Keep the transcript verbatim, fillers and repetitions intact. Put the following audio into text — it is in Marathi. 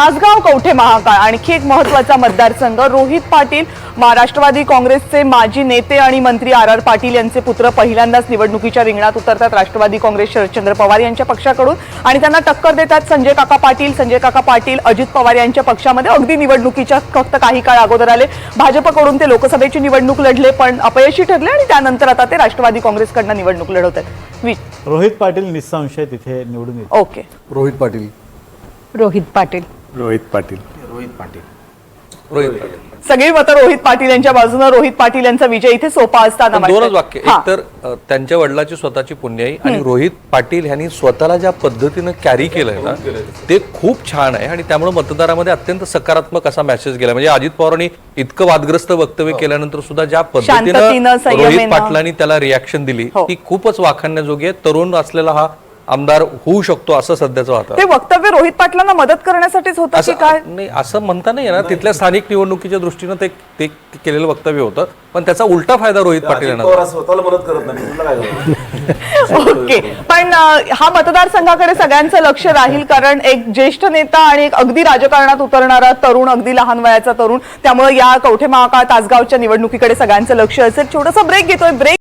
तासगाव कवठे महाकाळ आणखी एक महत्त्वाचा मतदारसंघ। रोहित पाटील महाराष्ट्रवादी काँग्रेसचे माजी नेते आणि मंत्री आर आर पाटील यांचे पुत्र पहिल्यांदाच निवडणुकीच्या रिंगणात उतरतात राष्ट्रवादी काँग्रेस शरदचंद्र पवार यांच्या पक्षाकडून आणि त्यांना टक्कर देतात संजय काका पाटील। संजय काका पाटील अजित पवार यांच्या पक्षामध्ये अगदी निवडणुकीच्या फक्त काही काळ अगोदर आले। भाजपकडून ते लोकसभेची निवडणूक लढले पण अपयशी ठरले आणि त्यानंतर आता ते राष्ट्रवादी काँग्रेसकडून निवडणूक लढवतात। रोहित पाटील निसंशय तिथे निवडून येतात। ओके, रोहित पाटील रोहित पाटील रोहित पाटील रोहित पाटील रोहित पाटील सगळी मतं रोहित पाटील यांच्या बाजूने। रोहित पाटील यांचा विजय इथे सोपा असताना पण दोनच वाक्य, एक तर अ, त्यांच्या वडिलाची स्वतःची पुण्याई आणि रोहित पाटील यांनी स्वतःला ज्या पद्धतीनं कॅरी केलंय ना ते खूप छान आहे आणि त्यामुळे मतदारामध्ये अत्यंत सकारात्मक असा मेसेज गेला। म्हणजे अजित पवारांनी इतकं वादग्रस्त वक्तव्य केल्यानंतर सुद्धा ज्या शांततेनं, पद्धतीनं संयमेनं. रोहित पाटलांनी त्याला रिॲक्शन दिली हो. ती खूपच वाखाणण्याजोगी आहे। तरुण असलेला हा आमदार होऊ शकतो असं सध्याचं ते वातावरण। वक्तव्य रोहित पाटलांना मदत करण्यासाठीच होतं की असं काय? नाही, असं म्हणता नाही येणार। तिथल्या स्थानिक निवडणुकीच्या दृष्टीनं ते ते केलेलं वक्तव्य होतं पण त्याचा उलटा फायदा रोहित पाटील यांना झाला। स्वतःला मदत करत नाही तुला काय झालं? ओके, पण अं, हा मतदारसंघाकडे सगळ्यांचं लक्ष राहील कारण एक ज्येष्ठ नेता आणि एक अगदी राजकारणात उतरणारा तरुण, अगदी लहान वयाचा तरुण, त्यामुळे या कवठे महाकाळ तासगावच्या निवडणुकीकडे सगळ्यांचं लक्ष असेल। छोटासा ब्रेक घेतोय, ब्रेक